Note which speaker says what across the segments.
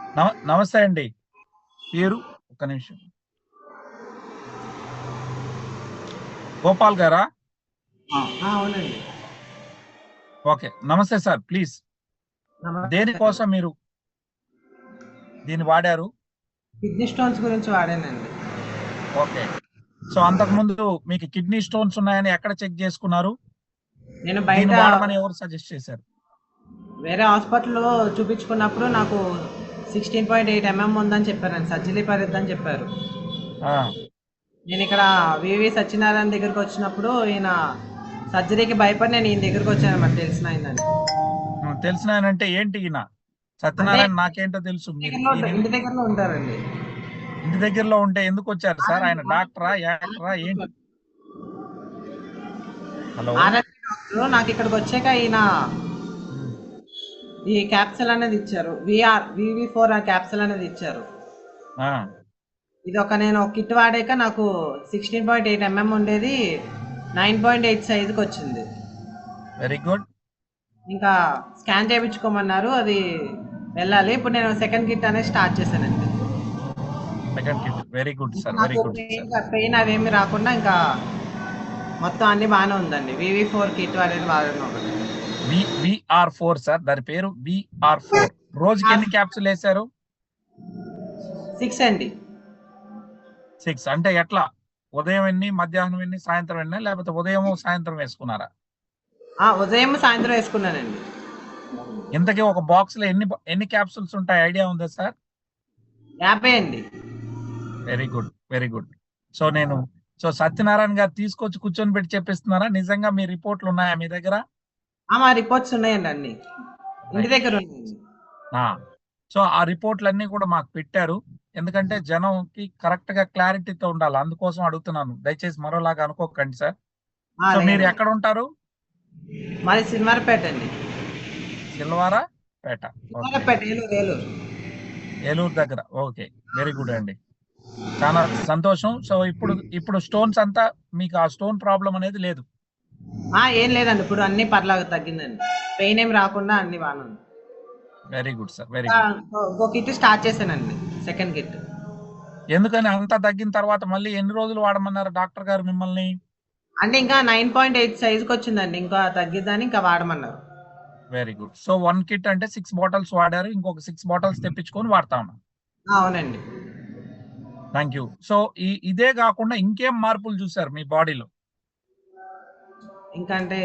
Speaker 1: నమస్తే అండి. పేరు ఒక్క నిమిషం. గోపాల్ గారా?
Speaker 2: అవునండి.
Speaker 1: ఓకే. నమస్తే సార్. ప్లీజ్.
Speaker 2: నమస్తే అండి.
Speaker 1: దేనికోసం మీరు దీన్ని వాడారు?
Speaker 2: కిడ్నీ స్టోన్స్ గురించి వాడానండి.
Speaker 1: ఓకే. సో, అంతకుముందు మీకు కిడ్నీ స్టోన్స్ ఉన్నాయని ఎక్కడ చెక్ చేసుకున్నారు?
Speaker 2: నేను బయట
Speaker 1: దీన్ని వాడమని ఎవరు సజెస్ట్ చేశారు?
Speaker 2: వేరే హాస్పిటల్‌లో చూపించుకున్నప్పుడు నాకు 16.8 ఉందని చెప్పారండి. సర్జరీ పడిద్దని చెప్పారు.
Speaker 1: ఆ!
Speaker 2: నేనిక్కడ వివి సత్యనారాయణ దగ్గరికి వచ్చినప్పుడు ఈయన సర్జరీకి భయపడి నేను ఈయన దగ్గరికి వచ్చానన్నమాట తెలిసినాయనని.
Speaker 1: తెలిసినాయనంటే ఏంటి ఈయన?
Speaker 2: అంటే
Speaker 1: సత్యనారాయణ నాకేంటో తెలుసు. మీరు ఈయన
Speaker 2: ఇంటి దగ్గరలో ఉంటారండి.
Speaker 1: ఇంటి దగ్గరలో ఉంటే ఎందుకొచ్చారు సార్? ఆయన డాక్టరా?
Speaker 2: ఆర్ఎంపీ
Speaker 1: యాక్టరా? ఏంటి? హలో!
Speaker 2: ఆర్ఎంపీ డాక్టరు నాకు ఇక్కడికి వచ్చాక ఈయన
Speaker 1: హ్మ్.
Speaker 2: ఈ క్యాప్సూల్ అనేది ఇచ్చారు. వివి4 ఆ క్యాప్సూల్ అనేది ఇచ్చారు.
Speaker 1: ఆ!
Speaker 2: ఇది నేను ఒక కిట్ వాడాక నాకు 16.8 ఉండేది 9.8 సైజుకి వచ్చింది.
Speaker 1: Very good.
Speaker 2: ఇంకా స్కాన్ చేయించుకోమన్నారు, అది వెళ్ళాలి. ఇప్పుడు నేను సెకండ్ కిట్ అనేది స్టార్ట్ చేశానండి.
Speaker 1: Second kit. వెరీ గుడ్
Speaker 2: ఇప్పుడు
Speaker 1: సార్. వెరీ
Speaker 2: నాకు
Speaker 1: గుడ్ సార్.
Speaker 2: పెయిన్ అవేమి రాకుండా ఇంకా మొత్తం అన్ని బాగానే ఉందండి. వివి4 కిట్ అనేది వాడడం ఒకటి.
Speaker 1: విఆర్4 సార్. దాని పేరు విఆర్4. రోజుకి ఎన్ని క్యాప్సుల్ వేశారు?
Speaker 2: 6 అండి.
Speaker 1: 6 అంటే ఎట్లా? ఉదయం ఎన్ని, మధ్యాహ్నం ఎన్ని, సాయంత్రం ఎన్ని, లేకపోతే ఉదయం సాయంత్రం వేసుకున్నారా?
Speaker 2: ఉదయం సాయంత్రం వేసుకున్నానండి.
Speaker 1: ఇంతకీ ఒక బాక్స్ లో ఎన్ని క్యాప్సుల్స్ ఉంటాయి ఐడియా ఉందా సార్?
Speaker 2: 50 అండి.
Speaker 1: Very good. Very good. So నేను సత్యనారాయణ గారు తీసుకొచ్చి కూర్చొని పెట్టి చెప్పిస్తున్నారా? నిజంగా మీ రిపోర్ట్లు ఉన్నాయా మీ దగ్గర?
Speaker 2: మా రిపోర్ట్స్ ఉన్నాయండి అన్ని. ఇంటి
Speaker 1: రైట్.
Speaker 2: దగ్గర ఉన్నాయండి.
Speaker 1: సో ఆ రిపోర్ట్లన్నీ కూడా మాకు పెట్టారు. ఎందుకంటే జనంకి కరెక్ట్ గా క్లారిటీతో ఉండాలి. అందుకోసం అడుగుతున్నాను. దయచేసి మరోలాగా అనుకోకండి సార్. సో మీరు
Speaker 2: లేదండి.
Speaker 1: ఎక్కడ ఉంటారు?
Speaker 2: మాది సినిమారపేట అండి.
Speaker 1: సిల్వారా పేట. ఓకే.
Speaker 2: సినిమారపేట, ఏలూరు ఏలూరు.
Speaker 1: ఏలూరు దగ్గర. ఓకే. వెరీ గుడ్ అండి. చాలా సంతోషం. సో ఇప్పుడు ఇప్పుడు స్టోన్స్ అంతా మీకు ఆ స్టోన్ ప్రాబ్లం అనేది లేదు.
Speaker 2: ఏం లేదండి, ఇప్పుడు అన్ని పర్లాగా తగ్గిందండి. పెయిన్ ఏం రాకుండా అన్ని బాగానే ఉంది.
Speaker 1: Very good sir. Very good.
Speaker 2: ఇంకో కిట్ స్టార్ట్ చేశానండి, సెకండ్ కిట్.
Speaker 1: ఎందుకని అంతా తగ్గిన తర్వాత మళ్ళీ ఎన్ని రోజులు వాడమన్నారు డాక్టర్ గారు మిమ్మల్ని?
Speaker 2: అంటే ఇంకా 9.8 సైజుకి వచ్చిందండి, ఇంకా తగ్గిద్దని ఇంకా వాడమన్నారు.
Speaker 1: Very good. సో 1 కిట్ అంటే 6 బాటిల్స్ వాడారు. ఇంకొక 6 బాటిల్స్ తెప్పించుకొని వాడతా ఉన్నాను.
Speaker 2: అవునండి.
Speaker 1: Thank you. సో ఇదే కాకుండా ఇంకేం మార్పులు చూసారు మీ బాడీలో?
Speaker 2: ఇంకా అంటే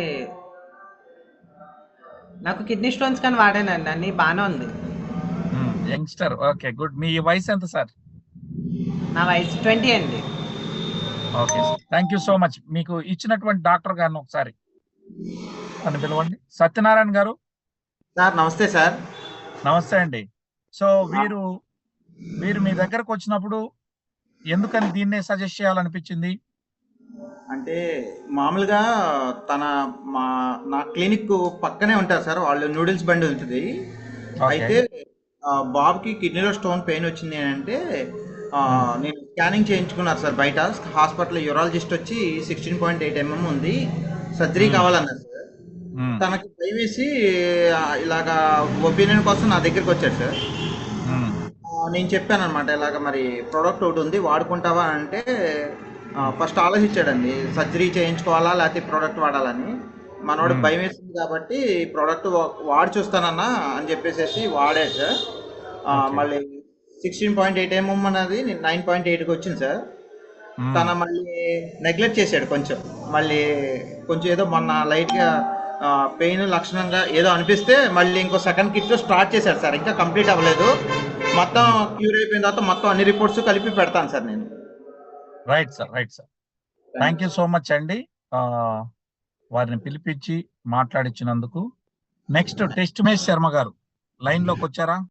Speaker 2: నాకు కిడ్నీ స్టోన్స్ కానీ వాడానండి, అన్ని బాగానే ఉంది.
Speaker 1: యంగ్స్టర్. ఓకే. గుడ్. మీ వయసు ఎంత సార్?
Speaker 2: నా వయసు 20 అండి.
Speaker 1: Okay sir. Thank you so much. మీకు ఇచ్చినటువంటి డాక్టర్ గారిని ఒకసారి అని పిలవండి. సత్యనారాయణ గారు.
Speaker 3: సార్ నమస్తే సార్.
Speaker 1: నమస్తే అండి. సో వీరు మీ దగ్గరకు వచ్చినప్పుడు ఎందుకని దీన్నే సజెస్ట్ చేయాలనిపించింది?
Speaker 3: అంటే మామూలుగా తన మా నా క్లినిక్ పక్కనే ఉంటారు సార్. వాళ్ళు నూడిల్స్ బండి ఉంటుంది.
Speaker 1: ఓకే.
Speaker 3: అయితే బాబుకి కిడ్నీలో స్టోన్ పెయిన్ వచ్చింది అంటే నేను స్కానింగ్ చేయించుకున్నారు సార్ బయట హాస్పిటల్. యూరాలజిస్ట్ వచ్చి 16.8 ఉంది, సర్జరీ కావాలన్నారు సార్. తనకి భయం వేసి ఇలాగా ఒపీనియన్ కోసం నా దగ్గరికి వచ్చాడు సార్. నేను చెప్పాను అనమాట, ఇలాగ మరి ప్రోడక్ట్ ఒకటి ఉంది వాడుకుంటావా అంటే ఫస్ట్ ఆలోచించాడండి, సర్జరీ చేయించుకోవాలా లేకపోతే ప్రోడక్ట్ వాడాలని. మనోడికి భయం వేసింది కాబట్టి ప్రోడక్ట్ వాడి చూస్తానన్నా అని చెప్పేసి వాడాడు సార్. మళ్ళీ 16.8 అనేది 9.8కి వచ్చింది సార్. తన మళ్ళీ నెగ్లెక్ట్ చేశాడు కొంచెం. మళ్ళీ కొంచెం ఏదో మొన్న లైట్గా పెయిన్ లక్షణంగా ఏదో అనిపిస్తే మళ్ళీ ఇంకో సెకండ్ కిట్ స్టార్ట్ చేశాడు సార్. ఇంకా కంప్లీట్ అవ్వలేదు. మొత్తం క్యూర్ అయిపోయిన తర్వాత మొత్తం అన్ని రిపోర్ట్స్ కలిపి పెడతాను సార్ నేను.
Speaker 1: Right sir. Right sir. Thank you so much అండి. వారిని పిలిపించి మాట్లాడించినందుకు. నెక్స్ట్ టెస్ట్ మేష్ శర్మ గారు లైన్ లోకి వచ్చారా?